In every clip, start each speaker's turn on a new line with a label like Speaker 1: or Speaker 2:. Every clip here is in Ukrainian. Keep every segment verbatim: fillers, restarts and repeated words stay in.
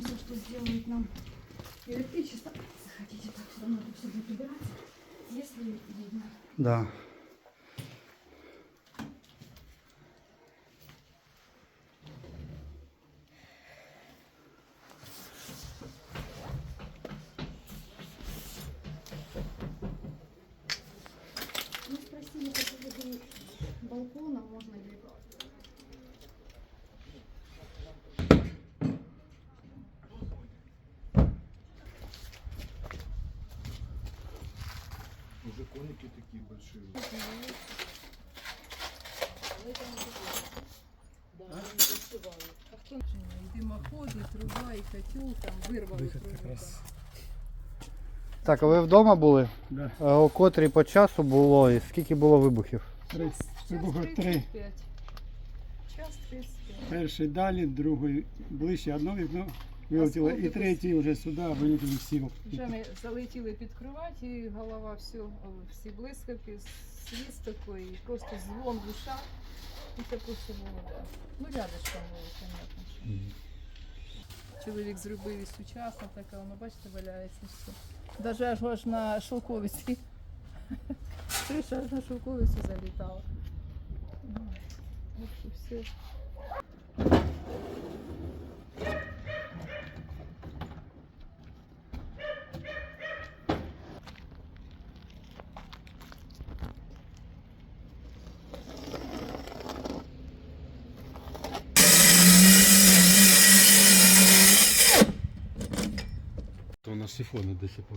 Speaker 1: надеемся, что сделают нам электричество. Захотите, так все равно тут все будет убираться, если видно.
Speaker 2: Да.
Speaker 1: Мы спросили по поводу балкона, можно ли...
Speaker 3: Уже коники такие большие.
Speaker 4: И дымоход, и труба, и котел, там вырвало трубу.
Speaker 2: Так, а ви вдома були?
Speaker 5: Да.
Speaker 2: А о котрій по часу було і скільки було вибухів?
Speaker 5: Три. Вибухи три.
Speaker 4: тридцять п'ять. Час тридцять п'ять.
Speaker 5: Перший далі, другий ближче, одно вікно вилетіло, і третій вже сюди вилетіли всі.
Speaker 4: Вже ми залетіли під кровать, і голова все, всі блискавки, свіст такий, і просто дзвон в ушах. І таке все було. Да. Ну, рядышком було, понятно. Що. Чоловік зробив і сучасно, таке, воно, бачите, валяється все. Даже аж, аж на шовковиці. Криша аж на шовковицю залітала. Ой, в общем, все.
Speaker 3: То у нас сифоны до сих пор.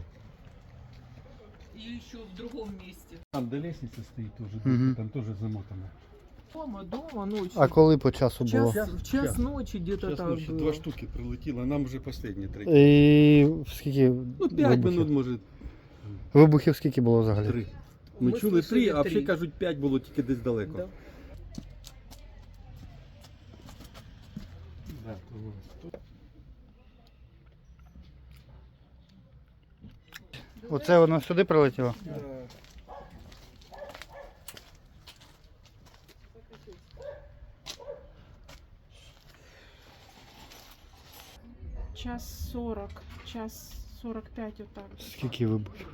Speaker 4: И еще в другом месте.
Speaker 3: Там до лестницы стоит тоже,
Speaker 2: Мгм.
Speaker 3: там тоже замотано.
Speaker 4: Дома, дома, ночью.
Speaker 2: А коли по часу було?
Speaker 4: час, в час
Speaker 3: час.
Speaker 4: ночи где-то
Speaker 3: Сейчас
Speaker 4: так
Speaker 3: ночью
Speaker 4: было.
Speaker 3: два штуки прилетело, а нам уже последние третий.
Speaker 2: І скільки
Speaker 3: Ну, пять
Speaker 2: вибухів?
Speaker 3: минут, может,
Speaker 2: Вибухів скільки було взагалі?
Speaker 3: три. Ми
Speaker 4: Ми
Speaker 3: чули
Speaker 4: слышали
Speaker 3: три, а
Speaker 4: три.
Speaker 3: всі кажуть п'ять було тільки десь далеко.
Speaker 4: Да.
Speaker 3: Да, то було.
Speaker 2: Оце воно сюди прилетіло?
Speaker 1: Час сорок, час сорок п'ять отак.
Speaker 2: Скільки вибухів?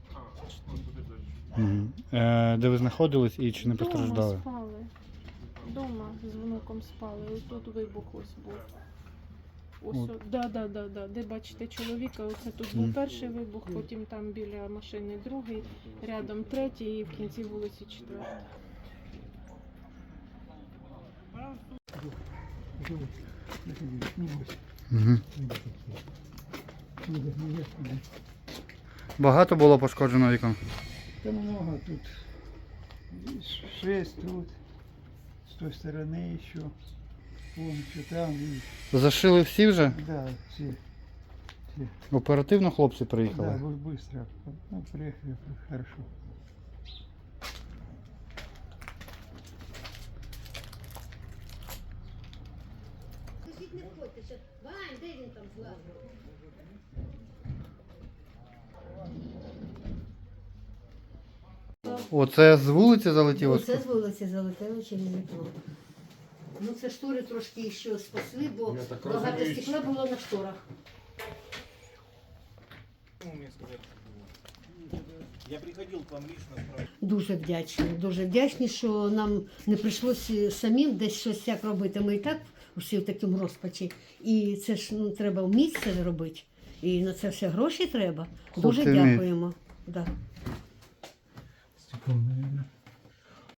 Speaker 2: Угу. Е, де ви знаходились і чи не
Speaker 1: Дома
Speaker 2: постраждали?
Speaker 1: спали. Дома з внуком спали. Ось тут вибух ось був. Ось,
Speaker 2: От.
Speaker 1: о- да, да, да, да. Де бачите чоловіка, оце тут був
Speaker 2: Мгм.
Speaker 1: перший вибух, потім там біля машини другий, рядом третій і в кінці вулиці четвертий.
Speaker 2: Угу. Багато було пошкоджено вікон?
Speaker 5: Та много тут. Шесть тут, с той стороны еще. Вон еще там. И,
Speaker 2: Зашили всі вже?
Speaker 5: да, все.
Speaker 2: Оперативно хлопці
Speaker 5: Да,
Speaker 2: приїхали?
Speaker 5: бы- быстро. Ну, приехали, хорошо.
Speaker 6: Сусід не входьте, ще. Вань, де він там злазив?
Speaker 2: Оце з вулиці залетіло?
Speaker 6: Це з вулиці залетело через вікно. Ну це штори трошки ще спасли, бо
Speaker 3: Я так
Speaker 6: багато
Speaker 3: розумію,
Speaker 6: стекла було на шторах.
Speaker 7: Я приходил к вам лично справді.
Speaker 6: Дуже вдячні, дуже вдячні, що нам не прийшлося самим десь щось як робити. Ми і так всі в такому розпачі. І це ж ну, треба вміти це робити. І на це все гроші треба. Дуже
Speaker 2: Хлопці вміють.
Speaker 6: дякуємо. Да.
Speaker 3: Стекло,